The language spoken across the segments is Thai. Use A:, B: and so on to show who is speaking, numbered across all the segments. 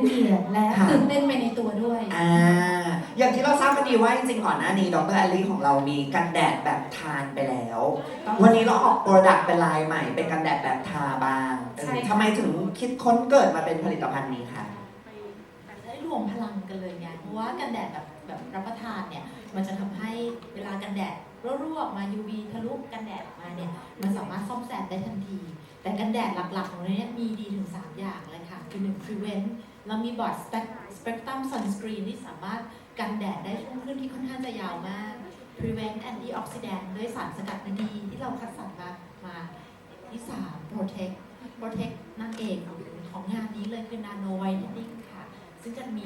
A: เกียรติและตื่นเต้นไปในตัวด้วย
B: อย่างที่เราทราบกันดีว่าจริงๆก่อนหน้านี้ดร.แอลลี่ของเรามีกันแดดแบบทานไปแล้ว วันนี้เราออกโปรดักต์เป็นลายใหม่เป็นกันแดดแบบทาบ้างทำไมถึงคิดค้นเกิดมาเป็นผลิตภัณฑ์นี้คะ
A: ได้รวมพลังกันเลยไงเพราะว่ากันแดดแบบรับประทานเนี่ยมันจะทำให้เวลากันแดดรั่วๆออกมา UV ทะลุกันแดดออกมาเนี่ยมันสามารถซ่อมแซมได้ทันทีแต่กันแดดหลักๆของเราเนี่ยมีดีถึง3อย่างเลยค่ะคือ1 prevent เรามีบอร์ด spectrum sunscreen ที่สามารถกันแดดได้ช่วงคลื่นที่ค่อนข้างจะยาวมาก prevent antioxidant ด้วยสารสกัดดีที่เราคัดสรรมาที่3 protect นั่นเองของงานนี้เลยคือ nano whitening ค่ะซึ่งจะมี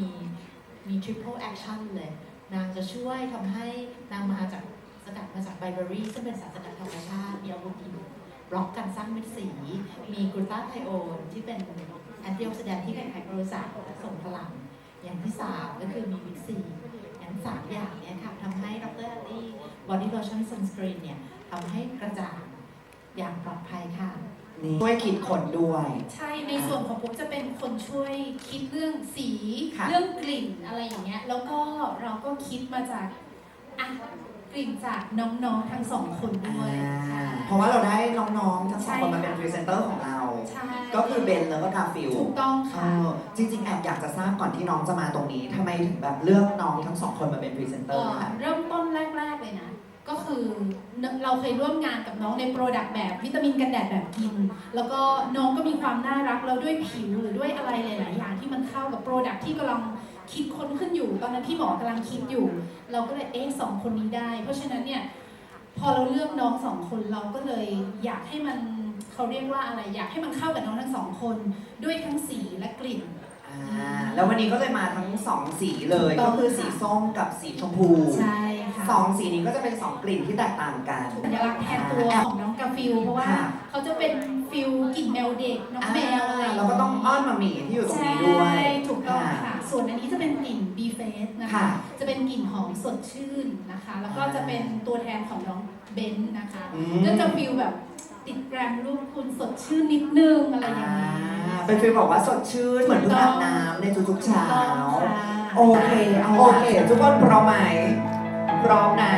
A: triple action เลยนางจะช่วยทำให้นางมาจากสกัดมาจากไบเบอรี่ซึ่งเป็นสารสกัดธรรมชาติมีอาวุธอินบล็อกการสร้างเม็ดสีมีกลูตาไทโอนที่เป็นแอนตี้ออกซิแดนท์ที่ใครๆก็รู้จักและส่งพลังอย่างที่3ก็คือมีวิตซีอย่าง3อย่างนี้ค่ะทำให้ดร.แอลลี่บอดี้โลชั่นซันสกรีนเนี่ยทำให้กระจ่างอย่างปลอดภัยค่ะ
B: ช่วยคิดคนด้วย
A: ใช่ในส่วนของผมจะเป็นคนช่วยคิดเรื่องสีเรื่องกลิ่นอะไรอย่างเงี้ยแล้วก็เราก็คิดมาจากกลิ่นจากน้องๆทั้ง2คนด้วย
B: เพราะว่าเราได้น้องๆทั้ง2คนมาเป็นพรีเซนเตอร์ของเราก็คือเบนแล้วก็กาฟิล
A: ถูกต้องค่ะ
B: จริงๆแอบอยากจะทราบก่อนที่น้องจะมาตรงนี้ทำไมถึงแบบเลือกน้องทั้ง2คนมาเป็นพรีเซนเตอร์ค่ะ
A: เริ่มต้นแรกๆเลยนะก็คือเราเคยร่วมงานกับน้องในโปรดักต์แบบวิตามินกันแดดแบบกินแล้วก็น้องก็มีความน่ารักแล้วด้วยผิวหรือด้วยอะไรหลายๆอย่างที่มันเข้ากับโปรดักต์ที่กำลังคิดค้นขึ้นอยู่ตอนนั้นพี่หมอกำลังคิดอยู่เราก็เลย2 คนนี้ได้เพราะฉะนั้นเนี่ยพอเราเลือกน้อง2 คนเราก็เลยอยากให้มันเขาเรียกว่าอะไรอยากให้มันเข้ากับน้องทั้ง2 คนด้วยทั้งสีและกลิ่น
B: แล้ววันนี้ก็เลยมาทั้ง2สีเลยก็คือสีส้มกับสีชมพู
A: ใช่ค่ะ
B: 2สีนี้ก็จะเป็น2กลิ่นที่แตกต่างกัน
A: สัญลักษณ์แทนตัวของน้องกาฟิลเพราะว่าเขาจะเป็นฟิลกลิ่นแมวเด็กน้องแมวอะไร
B: เราก็ต้องอ้อนมาหมีที่อยู่ตรงนี้ด้วย
A: ถูกต้องค่ะส่วนอันนี้จะเป็นกลิ่น B Face นะคะจะเป็นกลิ่นหอมสดชื่นนะคะแล้วก็จะเป็นตัวแทนของน้องเบนนะคะก็จะฟิลแบบติดแกรมรูปคุณสดชื่นนิดนึงอะไรอย่างนี้
B: เป็นฟีลบอกว่าสดชื่นเหมือนเพิ่งอาบน้ำในทุกๆเช้าโอเคทุกคนพร้อมไหมพร้อมนะ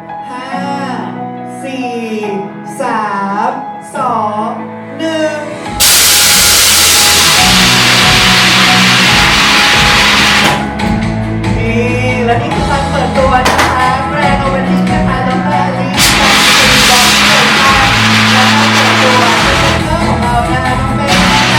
B: 5 4 3 2 1และนี่คือการเปิดตัวนะคะแบรนด์โอเวอร์ดิ้งนะคะดร.แอลลี่ของเรานะคะน้องเบน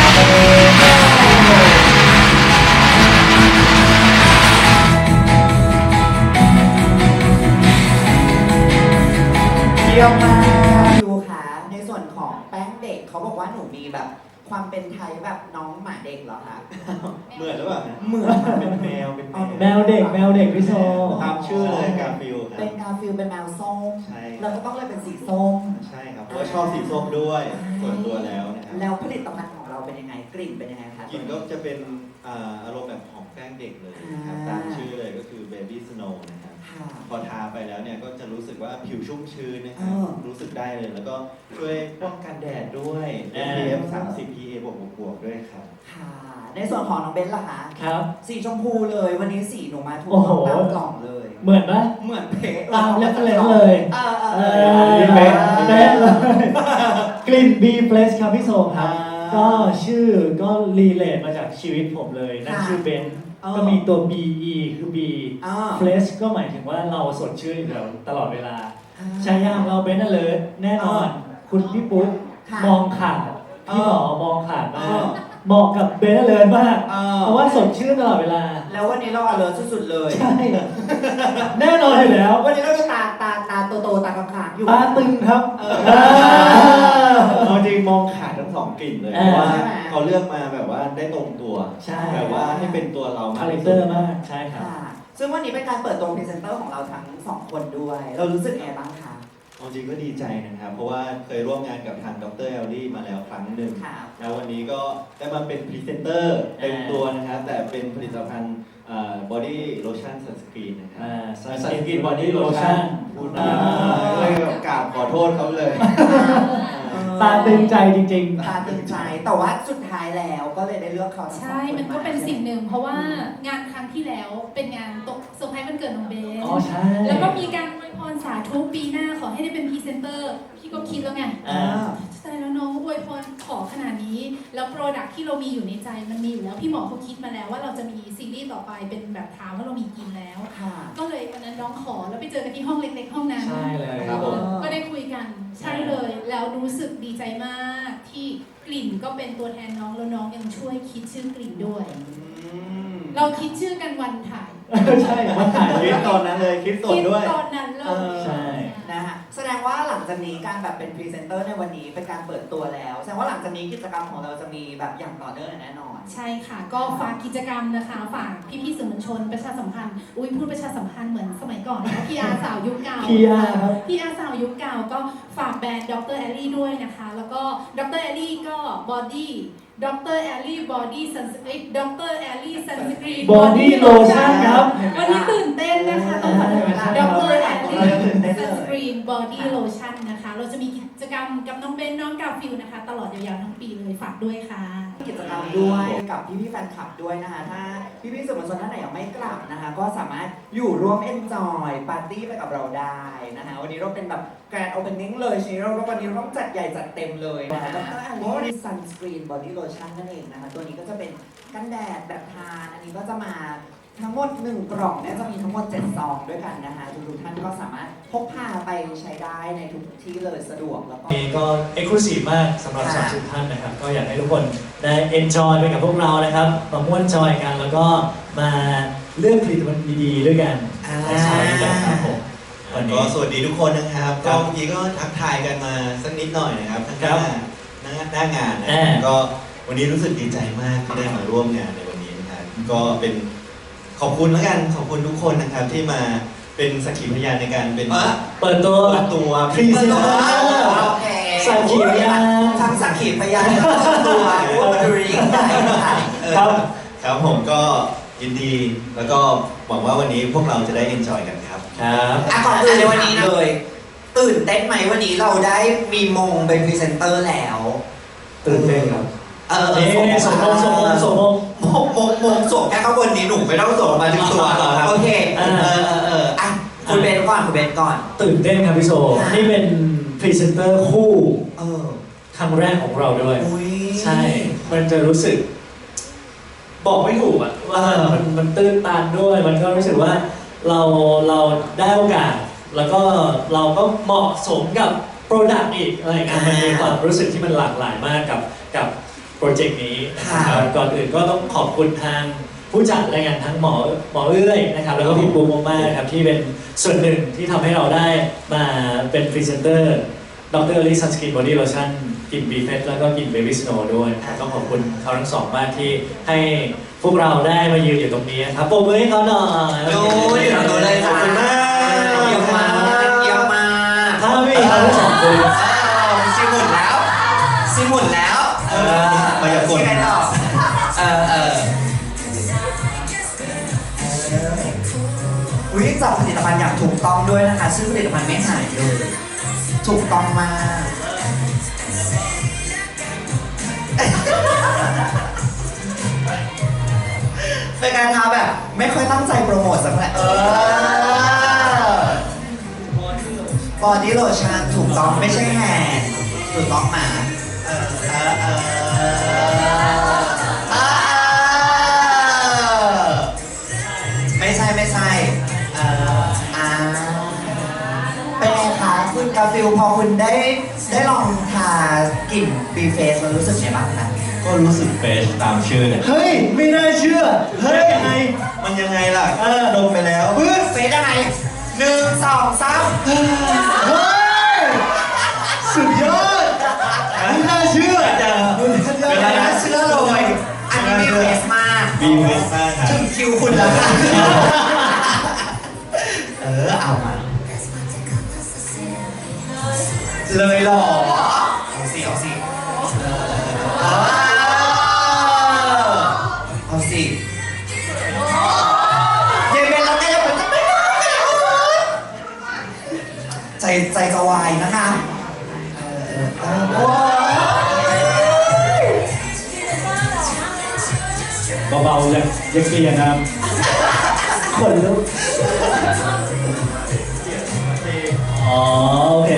B: เยี่ยมมากดูค่ะในส่วนของแป้งเด็กเขาบอกว่าหนูมีแบบความเป็นไทยแบบน้องหมาเด็กเหรอคะ
C: เหมือนหรือเปล่า
B: เหมือน
C: เป็นแมว
D: เด็กพี่โซ
C: ตามชื่อเลยกาฟิล
B: เป็นกาฟิลเป็นแมวส้ม
C: ใช่
B: เราก็ต้องเลยเป็นสีส้ม
C: ใช่ครับเพราะชอบสีส้มด้วยส่วนตัวแล้วนะครับ
B: แล้วผลิตภัณฑ์ของเราเป็นยังไงกลิ่นเป็นยังไงคะ
C: กลิ่นก็จะเป็นอารมณ์แบบของแป้งเด็กเลยครับตามชื่อเลยก็คือ Baby Snow นะครับพอทาไปแล้วเนี่ยก็จะรู้สึกว่าผิวชุ่มชื้นนะครับรู้สึกได้เลยแล้วก็ช่วยป้องกันแดดด้วย SPF 30 PA บวกด้วยครับ
B: ค่ะในส่วนของน้องเบนล่ะคะ
D: ครับ
B: สีชมพูเลยวันนี้สีหนูมาถูกต้องตามกล่องเลย
D: เหมือนปะ
B: เหมือนเป๊ะ
D: ตามเรฟเฟรนซ์เลย
C: เป๊ะ
D: เลยกลิ่น B Place ครับพี่โซครับก็ชื่อก็รีเลทมาจากชีวิตผมเลยนั่นชื่อเบนก็มีตัว BE คือ B Place ก็หมายถึงว่าเราสดชื่นอยู่ตลอดเวลาใช้ยางเราเบนน่ะเลยแน่นอนคุณพี่ปุ๊กมองขาดพี่หมอมองขาดมากเหมาะกับเบนเลยมากเพราะว่าสดชื่นตลอดเวลา
B: แล้ววันนี้เราอเลิร์สุดๆเลย
D: ใช่แน่นอนอยู่แล้ว
B: วันนี้เราจะตาโตตาค้างๆอยู่
D: ตาตึงครับ
C: เอาจริงมองขาดทั้ง2กลิ่นเลยเพราะว่าเขาเลือกมาแบบว่าได้ตรงตัวแบบว่าให้เป็นตัวเรา
D: คาแรคเตอร์มากใช่ครับ
B: ซึ่งวันนี้เป็นการเปิดตัวพรีเซนเตอร์ของเราทั้ง2คนด้วยเรารู้สึกไงบ้างคะ
C: จริงก็ดีใจนะครับเพราะว่าเคยร่วมงานกับทางดร.แอลลี่มาแล้วครั้งหนึ่งแล้ววันนี้ก็ได้มาเป็นพรีเซนเตอร์เต็มตัวนะครับแต่เป็นผลิตภัณฑ์body lotion sunscreen นะครับ
D: sunscreen body lotion
C: พูดมาเลยแบบกราบขอโทษเขาเลย
D: ตาตึงใจจริง
B: ตาตึงใจแต่ว่าสุดท้ายแล้วก็เลยได้เลือกเขาทั้งสอง
E: ใช่
B: ค
E: มันก็เป็น
B: มา
E: สิ่งหนึ่ง เพราะว่างานครั้งที่แล้วเป็นงานตกเซอร์ไพรส์วันเกิดน้องเบน
D: ๆอ๋อใช่
E: แล้วก็มีการอวยพรสาธุปีหน้าขอให้ได้เป็นพรีเซนเตอร์ พี่ก็คิดแล้วไง
D: อ่า
E: ใช่แล้วน้องอวยพรขอขนาดนี้ แล้วโปรดักที่เรามีอยู่ในใจมันมีอยู่แล้ว พี่หมอเขาคิดมาแล้วว่าเราจะมีซีรีส์ต่อไปเป็นแบบถามว่าเรามีกินแล้ว
B: ค่ะ
E: ก็เลยวันนั้นน้องขอแล้วไปเจอกันที่ห้องเล็กๆห้องนั้น
D: ใช่เลยครับผม
E: ก็ได้คุยกันใช่เลย แล้วรู้สึกดีใจมากที่กลิ่นก็เป็นตัวแทนน้องแล้วน้องยังช่วยคิดชื่อกลิ่นด้วย เราคิดชื่อกันวันถ่าย
D: ใช่วันถ่าย
C: คิดตอนนั้นเลยคิดสด
E: คิด
C: ด้วย
E: ตอนนั้นเลย
D: ใช่
B: นะคะแสดงว่าหลังจากนี้การแบบเป็นพรีเซนเตอร์ในวันนี้เป็นการเปิดตัวแล้ว แสดงว่าหลังจากนี้กิจกรรมของเราจะมีแบบอย่างต่อเนื่องแน่นอน
E: ใช่ค่ะ ก็ฝากกิจกรรมนะคะ ฝากพี่ๆสื่อมวลชนประชาสัมพันธ์ อุ้ยพูดประชาสัมพันธ์เหมือนสมัยก่อนนะพี่อาสาวยุคเก่า
D: PR ครับ
E: พี่อาสาวยุคเก่าก็ฝากแบรนด์ดรแอลลี่ด้วยนะคะ แล้วก็ดรแอลลี่ก็บอดี้ดรแอลลี่บอดี้ซันสกรีนดรแอลลี่ซันสกรีน
D: Body Lotion ครับ
E: วันนี้ตื่นเต้นนะคะต้องขอโทษ
D: ใช่
E: ด
D: ครับ
E: รแอลลี่
B: ตื่นเต้นเลย
E: ซันสกรีนบอดี้โลชั่นนะคะ เราจะมีกิจกรรมกับน้องเบนน้องกาฟิลนะคะ ตลอดยาวๆทั้งปีเลยฝากด้วยค่ะ
B: กิจกรรมด้วยกับพี่ๆแฟนคลับด้วยนะคะถ้าพี่ๆสื่อมวลชนท่านไหนยังไม่กลับนะคะ ก็สามารถอยู่ร่วม enjoy ปาร์ตี้ไปกับเราได้นะคะวันนี้เราเป็นแบบแกรนด์โอเพนนิ่งเลยชนี้เราวันนี้เราต้องจัดใหญ่จัดเต็มเลยนะคะแล้วก็อันนี้ซันสกรีนบอดี้โลชั่นนั่นเองนะคะตัวนี้ก็จะเป็นกันแดดแบบทานอันนี้ก็จะมาทั้งหมด1กล่องเนี่ยจะมีทั้งหมด7ซองด้วยกันนะคะทุกๆท่านก็สามารถพกพาไปใช้ได้ในทุกที่เลยสะดวกแล้วก็
D: นี่ก็เอ็กซ์คลูซีฟมากสำหรับ
B: ค่ะ
D: 30 ท่านนะครับ ก็อยากให้ทุกคนได้เอนจอยไปกับพวกเรานะครับมาม่วนจอยกันแล้วก็มาเลือกผลิตภัณฑ์ดีๆด้วยกันไปใช้กันครับผมวัน
C: ก็
D: นี้
C: สวัสดีทุกคนนะครับ
D: ครั
C: ก็
D: บ
C: เมื่อกี้ก็ทักทายกันมาสักนิดหน่อยนะครับทั้งห
D: ครั
C: น้า
D: บ
C: หน้างานนะ
D: อ่า
C: ก็วันนี้รู้สึกดีใจมากที่ได้มาร่วมงานในวันนี้นะครับก็เป็นขอบคุณแล้วกันขอบคุณทุกคนนะครับที่มาเป็นสักขีพยานในการเป็น
D: เปิดตัว
C: เปิดตัว
D: พรีเซนเตอร์
B: โอเค
D: สักขีพยาน
B: ทั้งสักขีพยานทั้งต้นตัวว่ามันดูยิ่งใหญ่ขนาดไหน
D: ครับ
C: ครับผมก็ยินดีแล้วก็หวังว่าวันนี้พวกเราจะได้เอนจอยกันครับ
D: ครับ
B: อ่ะก่อนอื่นในวันนี้เลย ตื่นเต้นไหมวันนี้เราได้มีมงเป็นพรีเซนเตอร์แล้ว
D: ตื่นเต้นครับ
B: นี่
D: สมมง
B: มงสวมแค่ข้างบนนี้หนูไม่ต้องสวมมาถึงตัวโอเคอ่ะคุณเบนก่อนคุณเบนก่อน
D: ตื่นเต้นครับพี่โซ
B: ค่ะ
D: นี่เป็นพรีเซนเตอร์คู่
B: เออ
D: ครั้งแรกของเราด้วย
B: อุ้ย
D: ใช่ มันจะรู้สึก บอกไม่ถูกอะว่ามันตื้นตันด้วย มันก็รู้สึกว่าเราได้โอกาส แล้วก็เราก็เหมาะสมกับโปรดักต์อีกอะไรอย่างเงี้ยมันมีความรู้สึกที่มันหลากหลายมากกับโปรเจกต์นี้นะครับก่อนอื่นก็ต้องขอบคุณทางผู้จัดรายงานทั้งหมอเอื้อยนะครับ แล้วก็พี่ปูมากๆครับที่เป็นส่วนหนึ่งที่ทำให้เราได้มาเป็นพรีเซนเตอร์ดรลิซันสกินบอดี้โลชั่นกลิ่นบีเฟสแล้วก็กลิ่นเบบี้สโนว์ด้วยต้องขอบคุณเขาทั้งสองมากที่ให้พวกเราได้มายืนอยู่ตรงนี้ครับปรบมือให้เขาหน่อย
B: โอ้ยเราเลย
C: ขอบคุณมาก
B: เยี่ยมมากเยี่ยมมาก
D: ถ้าไม่มีเขาทั้งสองคน
B: ซิมุนแล้วซิมุนแล้ว
C: มายากล
B: ยังไงต่ออุ้ยจับผลิตภัณฑ์อย่างถูกต้องด้วยนะคะซึ่งผลิตภัณฑ์ไม่หายเลยถูกต้องมากเป็นการทำแบบไม่ค่อยตั้งใจโปรโมทสักเท่าไหร่บอดี้โลชั่นถูกต้องไม่ใช่แฮนด์ถูกต้องมาไม่ใช่เป็นไงคะคุณกาฟิลพอคุณได้ลองทากลิ่นบีเฟสแล้วรู้สึกไงบ้างคะ
C: ก็รู้สึกเฟรชตามชื่อเนี่ย
D: เฮ้ย ไม่น่าเชื่อ เฮ้ยยังไง
C: มันยังไงล่ะดมไปแล้ว
B: เฟสยังไง1 2 3
D: เฮ้ย สุดยอดไม่น่าเชื่อ
B: ไม่น่าเชื่อเลยอันนี้บีเฟสมาก
C: บีเฟสมากครับ
B: ถึงคิวคุณแล้วค่ะเอามาเลยหรอเอาสิเอาสิเอาสิเย็นเป็นแล้วแกจะเป็นใจจะวายนะคะ
D: เบาๆยังเกลียดนะครับคนลุกอ๋อโอเค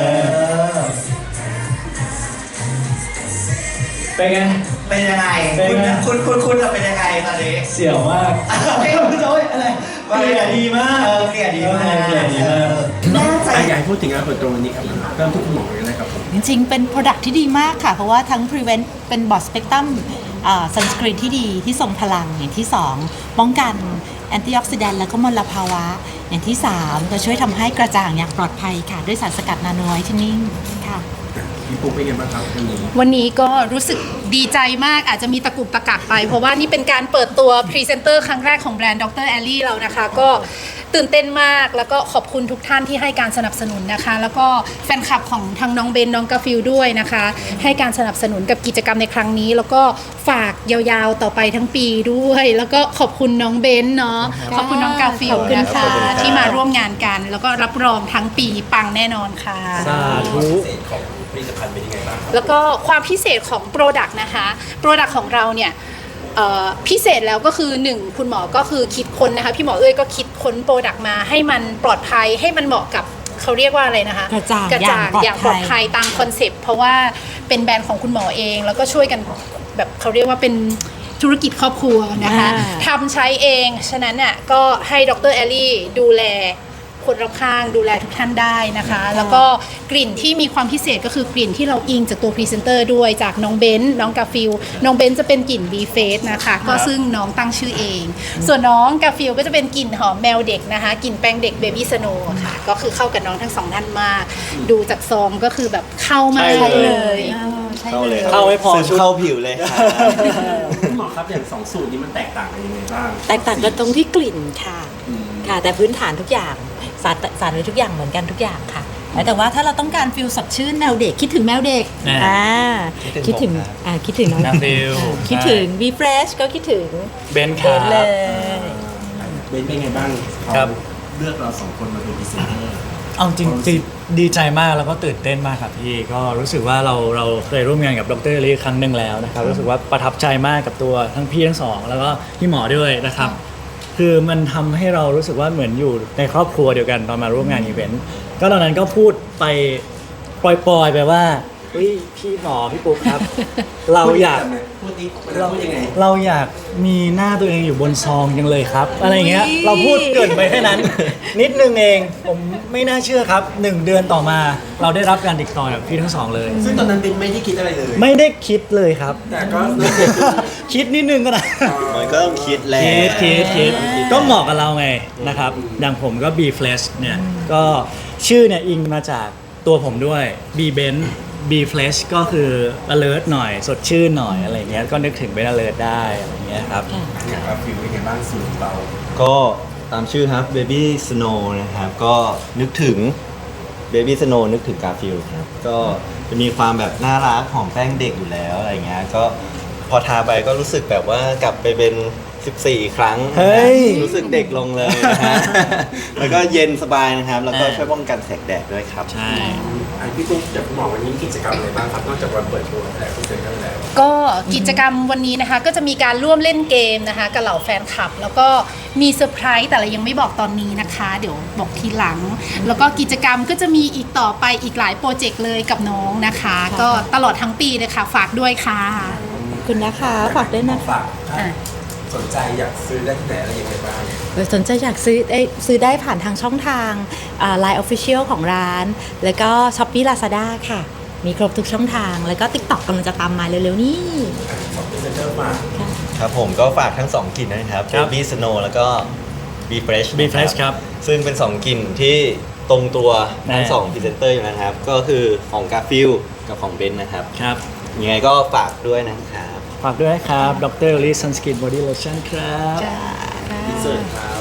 D: เป็นไง
B: เป็นยังไง
D: เป็นไง
B: คุณจะเป็นยังไงตอนนี้
D: เสี่ยวมากโจ้ยอะไรเกลียดดีมาก
B: เกลียดดีมาก
D: เกลียดดีมาก
B: แน่ใจ
F: อยากให้พูดถึงงานเปิดตัววันนี้ครับเริ่มที่คุณหมอเลยนะครับผม
G: จริงๆ เป็น Product ที่ดีมากค่ะ เพราะว่าทั้ง Prevent เป็น Broad Spectrum Sunscreen ที่ดีที่ทรงพลังอย่างที่ 2 ป้องกันแอนตี้ออกซิแดนต์และก็มลภาวะ อย่างที่ 3 ก็ช่วยทำให้กระจ่างอย่างปลอดภัยค่ะ ด้วยสารสกัดนาโนไวท์เทนนิ่งค่ะ
F: พี่ปุ๊กเป็นไงบ้างครับวันนี้
E: วันนี้ก็รู้สึกดีใจมากอาจจะมีตะกุกตะกักไป เพราะว่านี่เป็นการเปิดตัวพรีเซนเตอร์ครั้งแรกของแบรนด์ดรแอลลี่เรานะคะ ก็ตื่นเต้นมากแล้วก็ขอบคุณทุกท่านที่ให้การสนับสนุนนะคะ แล้วก็แฟนคลับของทางน้องเบนน้องกาฟิลด้วยนะคะ ให้การสนับสนุนกับกิจกรรมในครั้งนี้ แล้วก็ฝากยาวๆต่อไปทั้งปีด้วย แล้วก็ขอบคุณน้องเบนเนาะขอบคุณน้องกาฟิล
G: ขอบคุณ
E: นะคะ
G: ค่ะ
E: ที่มาร่วมงานกัน แล้วก็รับรองทั้งปีปังแน่นอนค่ะ
D: สาธุ
E: แล้วก็ความพิเศษของ Product นะคะ Product ของเราเนี่ยพิเศษแล้วก็คือ 1 คุณหมอก็คือคิดค้นนะคะ พี่หมอเอ้ยก็คิดค้น Product มาให้มันปลอดภัยให้มันเหมาะกับเขาเรียกว่าอะไรนะคะ
G: กระจ่าง
E: อย่างปลอดภัยตามคอนเซปต์เพราะว่าเป็นแบรนด์ของคุณหมอเอง แล้วก็ช่วยกันแบบเขาเรียกว่าเป็นธุรกิจครอบครัวนะคะทำใช้เองฉะนั้นน่ะก็ให้ดรแอลลี่ดูแลคนรอบข้างดูแลทุกท่านได้นะคะ แล้วก็กลิ่นที่มีความพิเศษก็คือกลิ่นที่เราอิงจากตัวพรีเซนเตอร์ด้วยจากน้องเบนน้องกาฟิลน้องเบนจะเป็นกลิ่น B Face นะคะก็ซึ่งน้องตั้งชื่อเอง ส่วนน้องกาฟิลก็จะเป็นกลิ่นหอมแมวเด็กนะคะกลิ่นแป้งเด็ก Baby Snow ค่ะก็คือเข้ากับน้องทั้งสองท่านมาก ดูจากซองก็คือแบบเข้ามาก
D: ใช่เลย
C: เข้าเลย
D: เข้าไม่พอ
C: ซึม
D: ชุด
C: เข้าผิวเลยครับ
F: คุณหมอครับอย่างสองสูตรนี้มันแตกต่างกันยังไงบ้าง
G: แตกต่างกันตรงที่กลิ่นค่ะค่ะ แต่พื้นฐานทุกอย่างสารไว้ทุกอย่างเหมือนกันทุกอย่างค่ะ แต่ว่าถ้าเราต้องการฟิลสดชื่นแมวเด็กคิดถึงแมวเด็ก
D: อ่า
G: คิดถึงคิดถึงน้อง
D: น้ำฟิล
G: คิดถึง V Fresh ก็คิดถึง
D: เบนค
G: เบ
D: รั
G: นเล
D: บ
G: ย
F: เป็นไงบ้าง
D: ครับ
F: เลือกเราสองคนมาเป็นพรีเซนเตอร์
D: เอาจริงๆดีใจมากแล้วก็ตื่นเต้นมากครับพี่ก็รู้สึกว่าเราเคยร่วมงานกับดรลีครั้งหนึ่งแล้วนะครับรู้สึกว่าประทับใจมากกับตัวทั้งพี่ทั้งสองแล้วก็พี่หมอด้วยนะครับคือมันทำให้เรารู้สึกว่าเหมือนอยู่ในครอบครัวเดียวกันตอนมาร่วมงานอีเวนต์ก็ตอนนั้นก็พูดไปปล่อยๆไปว่าเฮ้ยพี่หมอพี่ปุ๊กครับ เราอยาก
F: พูดนี้เราพูดยังไง
D: เราอยากมีหน้าตัวเองอยู่บนซองยังเลยครับอะไรอย่างเงี้ย
G: อุ๊ย
D: เราพูดเกรินไปแค่นั้น นิดนึงเองผมไม่น่าเชื่อครับ 1 เดือนต่อมาเราได้รับการติดต่อจากพี่ทั้งสองเลย
F: ซึ่งตอนนั้นเป็นไม่ได้คิดอะไรเลย
D: ไม่ได้คิดเลยครับ
F: แต่ก็
D: คิดนิดนึงก็ได้
C: มันก็ต้องคิดแหละ
D: คิดก็เหมาะกับเราไงนะครับ อย่างผมก็ B Flash เนี่ยก็ชื่อเนี่ยอิงมาจากตัวผมด้วย B Ben B Flash ก็คือ alert หน่อยสดชื่นหน่อยอะไรเงี้ยก็นึกถึงเป็น alert ได้อะไรเงี้ยครับ
F: อย่างกาฟิลเป็นไงบ้างสูตรเรา
C: ก็ตามชื่อครับ Baby Snow นะครับ ก็นึกถึง Baby Snow นึกถึงกาฟิลครับ ก็จะมีความแบบน่ารักของแป้งเด็กอยู่แล้วอะไรเงี้ย ก็พอทาไปก็รู้สึกแบบว่ากลับไปเป็น 14 ครั้ง
D: เฮ้ย
C: รู้สึกเด็กลงเลยนะฮะ แล้วก็เย็นสบายนะครับ แล้วก็ช่วยป้องกันแสงแดดด้วยครับ
D: ใช่
F: พี่ปุ๊กอยากคุณหมอวันนี้มีกิจกรรมอะไรบ้างครับนอกจากวันเปิดตัวแต่พรีเซนเตอร์แล้ว
E: ก็กิจกรรมวันนี้นะคะก็จะมีการร่วมเล่นเกมนะคะกับเหล่าแฟนคลับ แล้วก็มีเซอร์ไพรส์แต่เรายังไม่บอกตอนนี้นะคะ เดี๋ยวบอกทีหลัง แล้วก็กิจกรรมก็จะมีอีกต่อไปอีกหลายโปรเจกต์เลยกับน้องนะคะ ก็ตลอดทั้งปีเลยค่ะฝากด้วยค่ะ
G: ขอบคุณนะคะฝากด้วยนะคะ
F: ฝากถ้าสนใจอยากซื้อได้ที่ไหนอะไรยังไงบ้าง
G: สนใจอยากซื้อได้ผ่านทางช่องทางLine Official ของร้าน แล้วก็ Shopee Lazada ค่ะ มีครบทุกช่องทาง แล้วก็ TikTok กำลังจะตามมาเร็วๆนี้
F: ของพรีเซนเตอร์มา
C: ครับผมก็ฝากทั้ง 2 กลิ่นนะครับ
D: ครับ
C: Baby Snow แล้วก็ B Fresh
D: B Fresh ครับ
C: ซึ่งเป็น 2 กลิ่นที่ตรงตัวทั้ง
D: แน่
C: 2พรีเซนเตอร์อยู่นะครับ ก็คือของกาฟิลกับของเบนนะครับ
D: ครับ
C: ยังไงก็ฝากด้วยนะครับ
D: ฝากด้วยนะครับดรลี Sunscreen Body Lotion ครับ
F: อินเสิร์ตครับ